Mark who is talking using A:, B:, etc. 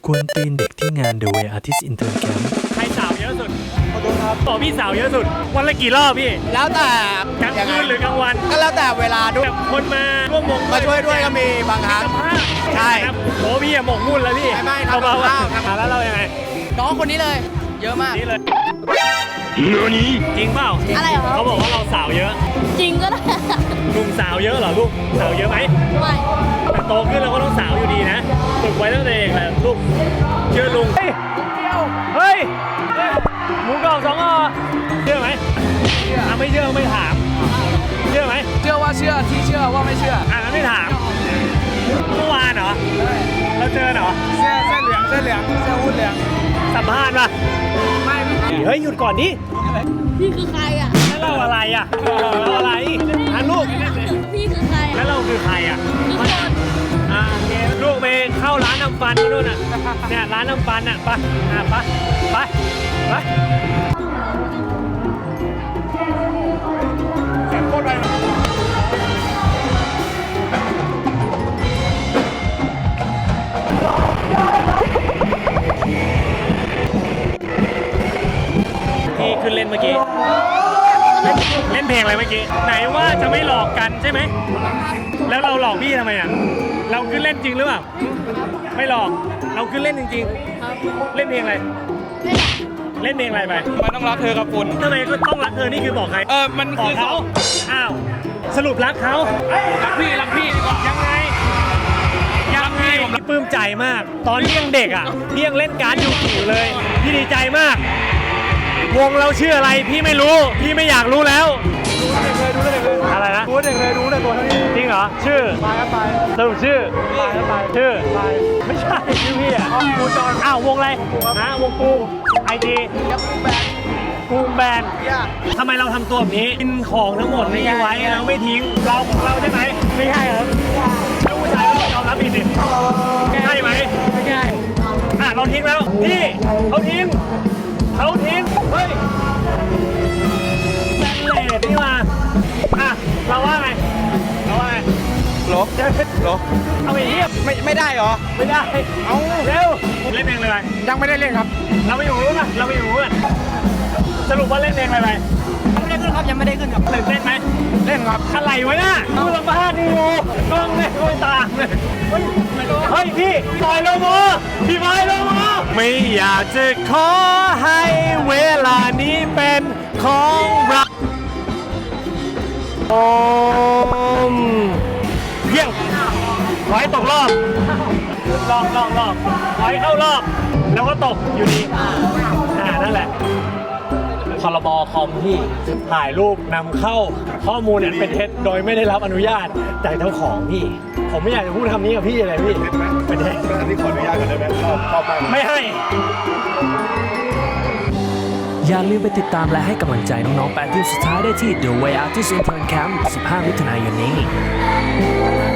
A: กวนตีนเด็กที่งาน The Way Artist Intern Camp
B: ใครสาวเยอะสุดขอโทษครับบอกพี่สาวเยอะสุดวันละกี่รอบพี่
C: แล้วแต่
B: กลางคืนหรือกลางวัน
C: ก็แล้วแต่เวลาด้วย
B: แบบคนมาร่วมวง
C: มาช่วยด้วยก็มีบางครั้ง
B: สัมภาษณ์
C: ใช่
B: ครับโอ้พี่อะหมกมุ่นแล้วพี่
C: ไม่ทำ
B: เบาๆ
C: กับข้าวครับ
B: แล้วเรายังไง
C: น้องคนนี้เลย เยอะมาก
B: นี่เลยจริงเปล่า
D: อะไรเหรอ
B: เขาบอกว่าเราสาวเยอะ
D: จริงก็ได้
B: ลุงสาวเยอะเหรอลูกสาวเยอะไหม
D: ไม่
B: แต่โตขึ้นเราก็ต้องสาวอยู่ดีนะฝึกไว้ตั้งแต่เด็กแหละลูกเชื่อลุงเฮ้ยเฮ้ยหมูกรอบ2 เชื่อไหมไม่เชื่อไม่ถามเชื่อไหม
C: เชื่อว่าเชื่อที่เชื่อว่าไม่เชื่อ
B: งั้นไม่ถามเมื่อวานเหรอเราเจอเหรอ
C: เสื้อเหลืองเสื้อหุ้นเหลือง
B: สัมภาษณ์ป่ะ
C: ไม่
B: เฮ้ยหยุดก่อนดิ
D: พี่คือใครอ่ะ
B: แล้วเราอะไรอ่ะเราอะไรลูก
D: พี่คือใคร
B: แล้วเราคือใครอ่ะ
D: คือคน
B: โอเคลูกไปเข้าร้านน้ำฟันมาด้วยน่ะเนี่ยร้านน้ำฟันอ่ะไปไปเสียงโคตรไปที่ขึ้นเล่นเมื่อกี้เล่นเพลงอะไรเมื่อกี้ไหนว่าจะไม่หลอกกันใช่ไหมแล้วเราหลอกพี่ทำไมอ่ะเราขึ้นเล่นจริงหรือเปล่าไม่หลอกเราขึ้นเล่นจริงๆเล่นเพลงอะไรเล่นเพลงอะไรไป
C: มันต้องรักเธอกับคุณ
B: ทำไมก็ต้องรักเธอนี่คือบอกใคร
C: มัน
B: บอ
C: คื
B: ก
C: อ
B: เขาอ้าวสรุปรักเขา
C: รักพี่ดีกว่า
B: ยังไงพี่ปลื้มใจมาก ตอนที่ยังเด็กอ่ะพี่ยังเล่นการ์ดอยู่เลยพี่ดีใจมาก วงเราชื่ออะไรพี่ไม่รู้พี่ไม่อยากรู้แล้วอะไรนะ
C: รู้เด็กเลยรู้เลยตัวเท่านี้
B: จริงเหรอชื่อ
C: ไปก็ไป
B: สรุปชื่อ
C: ไปก็ไป
B: ชื่อ
C: ไป
B: ไม่ใช่ชื่อพี่อ่ะ
C: กูจอน
B: อ้าววงอะไรฮะวงกูไอจี
C: ยับแบน
B: กูแบน
C: ยาก
B: ทำไมเราทำตัวแบบนี้กินของทั้งหมดนี้ไว้แล้วไม่ทิ้งเราของเราใช่ไหมไม่ใช่ครับลูกผู้ชายก็ยอมรับผิดสิใช่ไหมไม่ใช่เราทิ้งแล้วนี่เขาทิ้งเฮ้ยแบนเลดนี่มาเราว่าไง
C: ลบลบ
B: เอาไปเทียบ
C: ไม่ได้เหรอ
B: ไม่ได้
C: เอา
B: เร็วเล่นเพลงอะไร
C: ยังไม่ได้เล่นครับ
B: เราไปอยู่รู้นะเราไปอยู่รู้กันสรุปว่าเล่นเพลงอะไรไป
C: ยังไม่ได้ขึ้นครับ
B: ตื่นเต้นไหม
C: เล่นครับ
B: อะไรวะเนี่ยดูสัมภาษณ์ดูกล้องเนี่ยไม่ต่างเลยเฮ้ยพี่บอยโลโมพี่บอยโลโมไม่อยากจะขอให้เวลานี้เป็นของเราเพียงขอให้ตกรอบรอบขอให้เข้ารอบแล้วก็ตกอยู่ดีนั่นแหละพรบคอมที่ถ่ายรูปนำเข้าข้อมูลเนี่ยเป็นเท็จโดยไม่ได้รับอนุญาตจากเจ้าของพี่ผมไม่อยากจะพูดคำนี้กับพี่เลยพี่เป็นเท็จ
E: อันนี้ขออนุญาตก่อนได้ไหมชอบมาก
B: ไม่ให้
A: อย่าลืมไปติดตามและให้กำลังใจน้องๆ8 ทีมสุดท้ายได้ที่ The Way Artist Intern Camp 15 มิถุนายนนี้